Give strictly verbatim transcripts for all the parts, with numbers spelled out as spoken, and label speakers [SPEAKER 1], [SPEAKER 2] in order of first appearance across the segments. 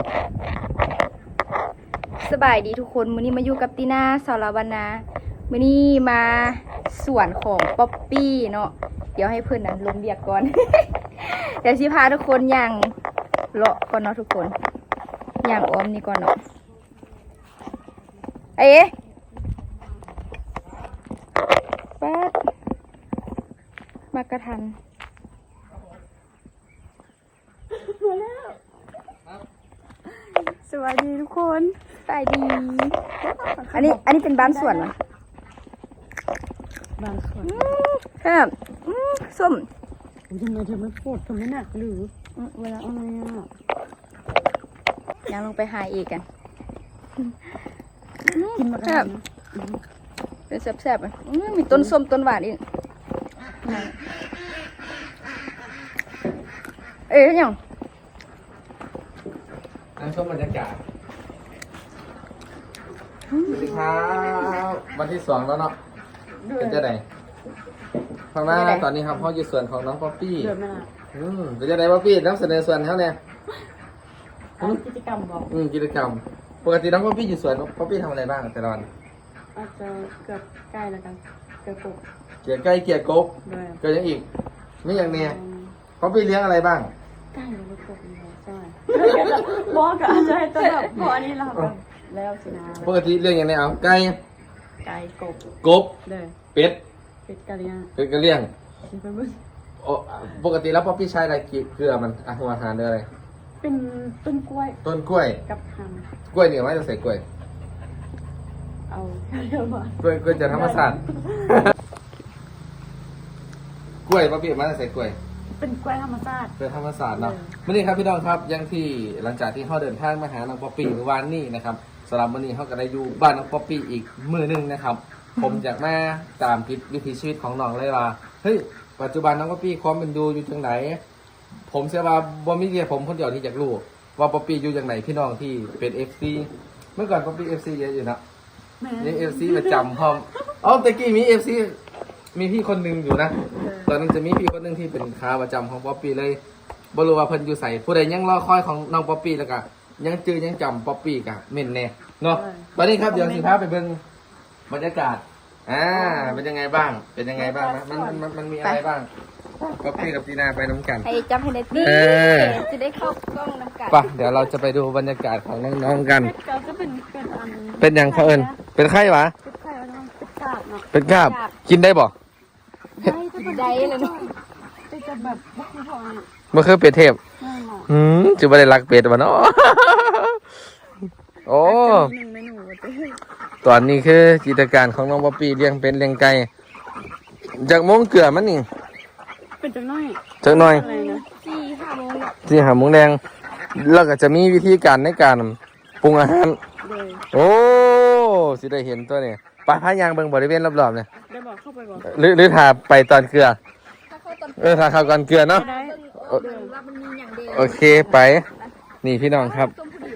[SPEAKER 1] สบายดีทุกคนมื้อนี้มาอยู่กับตีน่าสรวรรณามื้อนี้มาสวนของป๊อปปี้เนาะเดี๋ยวให้เพื่อนนั้นลงเบียกก่อน เดี๋ยวสิพาทุกคนย่างเลาะก่อนเนาะทุกคนย่างอ้อมนี่ก่อนเนาะเอ๊ะแป๊ดมากระทันมาแล้วสวัสดีทุกคนสวัสดีอันนี้อันนี้เป็นบ้านสวนเหรอ
[SPEAKER 2] บ้านสวน
[SPEAKER 1] ครับส้ม
[SPEAKER 2] ทำไมเธอไม่ปวดทำไมหนักหรือเวลาอะไรอ่ะ
[SPEAKER 1] ยังลงไปหาอีกกัน
[SPEAKER 2] กินมา
[SPEAKER 1] ครับเป็นแซ่บๆอ่ะมีต้นส้มต้นหวานอีกเอ๊ยยัง
[SPEAKER 3] นั่งชมบรรยากาศสวัสดีครับวันที่สองแล้วเนาะเป็นจะไหนข้างหน้าตอนนี้ครับพ่ออยู่ส่วนของน้องป๊อปปี้อืมเป็นจะไหนป๊อปปี้น้ำเสนอส่วนเขาเนี่ย
[SPEAKER 2] กิจกรรมบอก
[SPEAKER 3] อืมกิจกรรมปกติน้องป๊อปปี้อยู่ส่วนป๊อปปี้ทำอะไรบ้างแต่ละวัน
[SPEAKER 2] อาจจะเกือบใกล้แล้วกันเกือบกบ
[SPEAKER 3] เกี่ยใกล้เกี่ยกบเกี่ยยังอีกไม่อย่างเนี้ยป๊อปปี้เลี้ยงอะไรบ้าง
[SPEAKER 2] ใกล้แล้วกบใช่บอกก็อาจจะให้ตัวแบบพอนี้เราแบบแล้วสินะ
[SPEAKER 3] ปกติเลี้ยงอย่างไรเอาไก่
[SPEAKER 2] ไก่กบ
[SPEAKER 3] กบเป็ด
[SPEAKER 2] เป็ดกะเลี้ยง
[SPEAKER 3] เป็ดกะเลี้ยงปกติแล้วป๊อปปี้ใช้อะไรเกลือมันอาหารหรืออะไร
[SPEAKER 2] เป็นต้นกล้วย
[SPEAKER 3] ต้นกล้วย
[SPEAKER 2] กับทาง
[SPEAKER 3] กล้วยเนี่ยไม่จะใส่กล้วย
[SPEAKER 2] เอาเรียกว่าก
[SPEAKER 3] ล้วยกล้วยจะธรรมศาสตร์กล้วยป๊อปปี้ไม่จะใส่กล้วย
[SPEAKER 2] เป็นกล้วยธรรมศาสตร์
[SPEAKER 3] เป็นธรรมศาสตร์เนาะวันนี้ครับพี่น้องครับยังที่หลังจากที่เขาเดินทางมาหาน้องป๊อปปี้เมื่อวานนี้นะครับสำหรับวันนี้เขาก็ได้อยู่บ้านน้องป๊อปปี้อีกมื้อนึงนะครับผมอยากมาตามคิดวิถีชีวิตของน้องเลยว่าเฮ้ยปัจจุบันน้องป๊อปปี้ความเป็นดูอยู่จังไหนผมเชื่อว่าบ่มีเดียผมคนเดียวที่อยากรู้ว่าป๊อปปี้อยู่จังไหนพี่น้องที่เป็น เอฟ ซี เมื่อก่อนป๊อปปี้ เอฟ ซี เยอะอยู่นะนี่ เอฟ ซี ประจำพร้อมอ๋อตะกี้มี เอฟ ซี มีพี่คนหนึ่งอยู่นะตอนนั้นจะมีพี่คนหนึ่งที่เป็นค้าประจำของป๊อปปี้เลยบรู้ว่าเพิ่นอยู่ใส่ผู้ใดยังรอคอยของน้องป๊อปปี้แล้วก็ยังจื้อยังจำป๊อปปี้กะเม่นแน่เนาะตอนนี้ครับเดี๋ยวสิพาไปเบิ่งบรรยากาศอ่าเป็นยังไงบ้างเป็นยังไงบ้างนะมันมันมันมีอะไรบ้างป๊อปปี้กับตีนาไปน้ำกัน
[SPEAKER 1] ให้จำให้ได้ตีจะได้เข้ากล้องน้ำกัน
[SPEAKER 3] ป่ะเดี๋ยวเราจะไปดูบรรยากาศของน้องๆกัน
[SPEAKER 2] จะเป็นเป็นอัน
[SPEAKER 3] เป็นยังเขาเอิญเป็นไข้หวะ
[SPEAKER 2] เป็นไข้แล้วเป็นกาบเนาะ
[SPEAKER 3] เป็นกาบกินได้บ่
[SPEAKER 1] ได้จะเป็นได้เลยเนาะ
[SPEAKER 2] จะแบบบุกไม่พอเนี่ย
[SPEAKER 3] มันคือเป็ดเทพอืมจะไม่ได้รักเป็ดวะเนาะโอ้ตอนนี้คือกิจการของน้องป๊อปปี้เลี้ยงเป็นเลี้ยงไก่จากโมงเกลือมันนี่
[SPEAKER 2] เป็นจังน้อย
[SPEAKER 3] จังน้อย
[SPEAKER 1] สี่ห้าโมง
[SPEAKER 3] สี่ห้าโมงแดงแล้วก็จะมีวิธีการในการปรุงอาหารโอ้สิได้เห็นตัวนี้ปลาพายางเบิ่งบริเวณรอบๆเนี่ย
[SPEAKER 2] ได้บอกเข้าไปบอก
[SPEAKER 3] หรือหรือทาไปตอนเกลือเออทาเข้าก่อนเกลือเนาะโอเคไปนี่พี่น้องครับ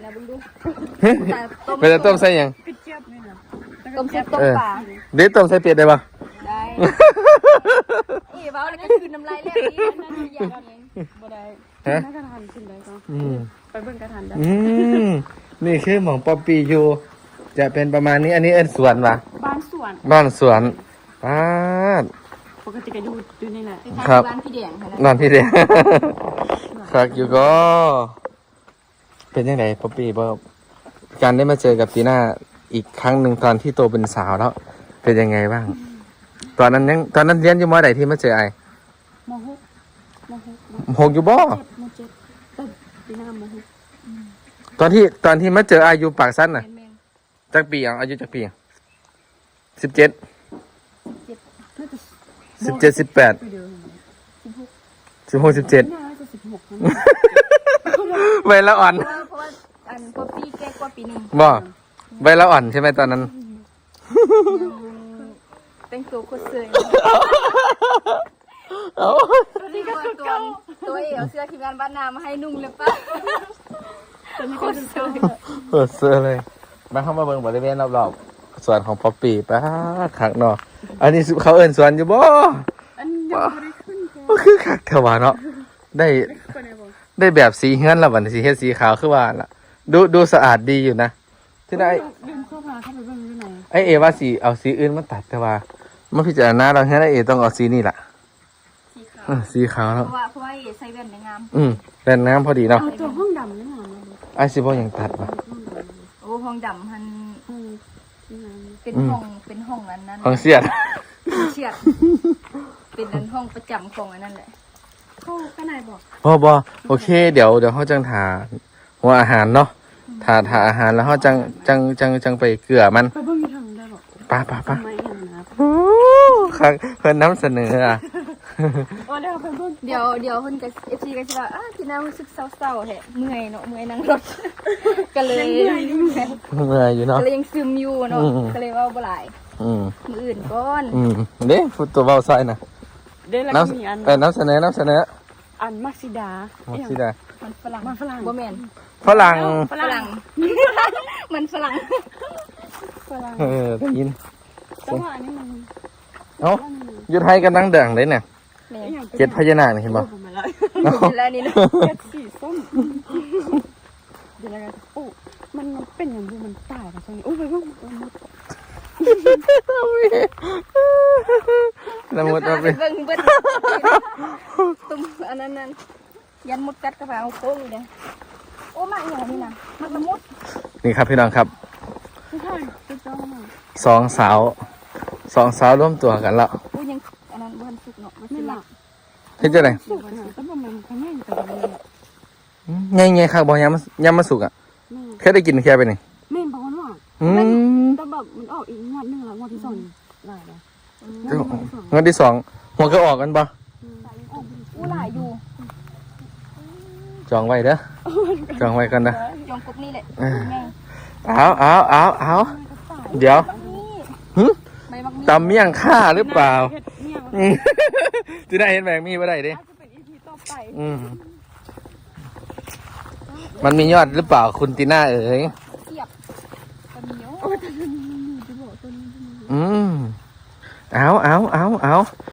[SPEAKER 3] เป็นต้มใส่ยัง
[SPEAKER 1] ต้มใส่ต้มปลา
[SPEAKER 3] เด็ดต้มใส่เป็ดได้ปะ
[SPEAKER 1] ได้อีบ้าแล้วก็คืนน้ำลายเล็กนี่นั่นอย่างนี้
[SPEAKER 2] บ่ได้
[SPEAKER 3] ฮะ
[SPEAKER 2] กระทันขึ้นได้ก็ไปเบิ่งกระทันได้
[SPEAKER 3] อืมนี่คือหม่องป๊อปปี้อยู่จะเป็นประมาณนี้อันนี้เอิ้นสวนปะ
[SPEAKER 2] บ้านสวน
[SPEAKER 3] บ้านสวนป้า
[SPEAKER 2] ปกติก็ดูดูนี่แหละ
[SPEAKER 3] ครับ
[SPEAKER 1] บ้านพี่แดง
[SPEAKER 3] นอนพี่แดงครับอยู่ก็เป็นยังไงป๊อปปี้บ่การได้มาเจอกับตีน่าอีกครั้งหนึ่งตอนที่โตเป็นสาวแล้วเป็นยังไงบ้างตอนนั้นยังตอนนั้นเรียนอยู่มอไหนที่มาเจอไอ
[SPEAKER 2] มหกมห
[SPEAKER 3] กหกอยู่บ่
[SPEAKER 2] มเจ็ดตีน่ามหก
[SPEAKER 3] ตอนที่ตอนที่มาเจออายุปากสั้นน่ะจักปีอ่ะอายุจักปีสิบเจ็ดสิบเจ็ดสิบแปดสิบหกสิบเจ็ดใบละอ่อน
[SPEAKER 1] เพราะว่าอันป๊อปปี้แก่กว่าปีนึง
[SPEAKER 3] บ่ใบละอ่อนใช่ไหมตอนนั้น
[SPEAKER 1] แต่งตัวโคตรเสื่อย
[SPEAKER 3] เอา
[SPEAKER 1] นี่ก็คือตัวตัวเอ๋เอาเสื้อทีมงานบ้านนามาให้นุ่งเลยป่ะโคตรเสื่อย
[SPEAKER 3] โคตรเสื่อยเลยมาเข้ามาเบิ่งบริเวณรอบๆสวนของป๊อปปี้ป้าขักเนาะอันนี้เขาเอิ้นสวนอยู่บ่
[SPEAKER 2] อันยังไม่ได้ขึ้น
[SPEAKER 3] ก็คือขักเถอะวะเนาะได้ได้แบบสีเฮือนแล้วบัดสีเฮ็ดสีขาวคือว่าล่ะดูดูสะอาดดีอยู่นะที่ได้
[SPEAKER 2] ลืมเข้ามาเข้าไปเบิ่งอยู่ไหน
[SPEAKER 3] ไอเอว่าสีเอาสีอื่นมาตัดแต่ว่ามาพิจารณาเราแค่ไอเอต้องเอาสีนี่แหละ
[SPEAKER 1] สีขาว
[SPEAKER 3] เออสีขาว
[SPEAKER 1] เพ
[SPEAKER 3] แล้ว
[SPEAKER 1] ราะว่าเพราะว่าใส่แว่นในงาม
[SPEAKER 3] อืมแรงน้ำพอดีเนาะ
[SPEAKER 2] เอาตัวห้องดำนี่มาเลย
[SPEAKER 3] ไอซิบอยังตัดวะ
[SPEAKER 1] โอ้ห้องดำมัน
[SPEAKER 2] เออที่นั่น
[SPEAKER 1] เป็น
[SPEAKER 3] อืม
[SPEAKER 1] ห้องเป็นห้องนั้นนั้น
[SPEAKER 3] ของเสียด
[SPEAKER 1] เชียดเป็นนั้นห้องประจำของอันนั้นแหละ
[SPEAKER 2] เข้าข้างในบอก
[SPEAKER 3] บอบอโอเค เดี๋ยวเดี๋ยวเขาจังถาหัวอาหารเนาะถาถาอาหารแล้วเขาจังจังจังจังไปเกลือมัน
[SPEAKER 2] ไปเบิ่งอยู่ทางได้บอก
[SPEAKER 3] ไป้าป้าป้า
[SPEAKER 2] ทำไมอย่างนั้นนะ
[SPEAKER 3] ครั้งเพิ่นน้ำเสนออ่ะ
[SPEAKER 2] โอ้เดี๋ยวไปเบิ่ง
[SPEAKER 1] เดี๋ยวเดี๋ยวเพิ่นกับเอฟซีก็สิว่าอ้าที่น่ารู้สึกเศร้าๆแฮะเมื่อยเนาะเมื่อยนั่งรถ ก็เลย
[SPEAKER 3] เมื่อยอยู่เนาะ
[SPEAKER 1] ก็เลยยังซึมอยู่เนาะ
[SPEAKER 3] อืม
[SPEAKER 1] ก็เลยเว่าบ่หลาย
[SPEAKER 3] อืม
[SPEAKER 1] มืออื่นก่อน
[SPEAKER 3] อืมเด้พูดตัวเบาใส่นะ
[SPEAKER 2] เดี๋ยวเรา
[SPEAKER 3] น้
[SPEAKER 2] ก็มีอัน
[SPEAKER 3] ำเออน้ำเสนอน้ำเสนอ
[SPEAKER 2] อันมักซิดา
[SPEAKER 3] มักสิได้
[SPEAKER 1] มันฝรั่ง
[SPEAKER 2] มันฝรั่ง
[SPEAKER 1] บ่แม่น
[SPEAKER 3] ฝรั่ง
[SPEAKER 2] ฝ
[SPEAKER 1] ฝ
[SPEAKER 2] รั่
[SPEAKER 1] รั่
[SPEAKER 2] ง
[SPEAKER 1] ง มันฝรั่ง
[SPEAKER 2] ฝรั่ง
[SPEAKER 3] เออได้ยิน
[SPEAKER 2] แต่ว่าอันนี้มัน
[SPEAKER 3] เอ้าอยุทธไทยกำลังเด่งเลยเนี่ย
[SPEAKER 1] แม่น
[SPEAKER 3] เจ็ดพญานาคนี่เห็นบ่
[SPEAKER 2] ผมมาแล้ว
[SPEAKER 3] เอ้า
[SPEAKER 1] แล้วนี่นะ
[SPEAKER 2] เจ็ดสีส้มเดี๋ยวเราจะโอ้มันมันเป็นอย่างดูมันตายกับตรงนี้โอ้ยไปเบิ่งมัน
[SPEAKER 3] ละมุดมาไป
[SPEAKER 1] เบิ่งเบิ่งตุ้มอันนั้นนั่นยันมดกัดกระเป๋าโค้งอยู่เด้โอ้มาอีหยังนี่นะมันละมุด
[SPEAKER 3] นี่ครับพี่น้องครับ
[SPEAKER 2] ไม่ใช่เป็นเจ้ามา
[SPEAKER 3] สองสาวสองสาวร่วมตัวกันแล้ว
[SPEAKER 1] โอ้ยังอันนั้นบ่ทันสุกเนาะมันสิ
[SPEAKER 2] ไม่ห
[SPEAKER 1] ละ
[SPEAKER 2] ลับ
[SPEAKER 3] เฮ็ดจังได๋
[SPEAKER 2] สุกนะแต่ว่ามันเขาแม่งแต่มันเนี่ย
[SPEAKER 3] ไงๆครับบ่ยามยามมาสุกอ่ะ
[SPEAKER 2] แม่
[SPEAKER 3] แค่ได้กินแค่ไปนี่
[SPEAKER 2] แม่บอกว่า
[SPEAKER 3] อืม
[SPEAKER 2] แต่แบบมันออกอีกงวดหนึงแล้วงวดที่สองหลายแล้ว
[SPEAKER 3] งวดที่สองหัวก็ออกกันบ่
[SPEAKER 1] อู้หลายอยู่
[SPEAKER 3] จองไว้เด้อจองไว้กันนะ
[SPEAKER 1] ยองกุกนี่แหละ
[SPEAKER 3] เออ
[SPEAKER 1] ไง
[SPEAKER 3] เอาเอาเอาเอาเดี๋ยว
[SPEAKER 1] นี่
[SPEAKER 3] หึ
[SPEAKER 1] ใบมักมี
[SPEAKER 3] ตำเมี่ยงข้าหรือเปล่า
[SPEAKER 2] เฮ็ดเนี่ย
[SPEAKER 3] อืมจะได้เห็นแบงมีบ่ได้เด้
[SPEAKER 2] อาจจะเป็นอีพีต่อไป
[SPEAKER 3] อืมมันมียอดหรือเปล่าคุณตีน่าเอ๋ย
[SPEAKER 1] เสียบตะเหนียว
[SPEAKER 3] อืมเอาเอาเอาเอา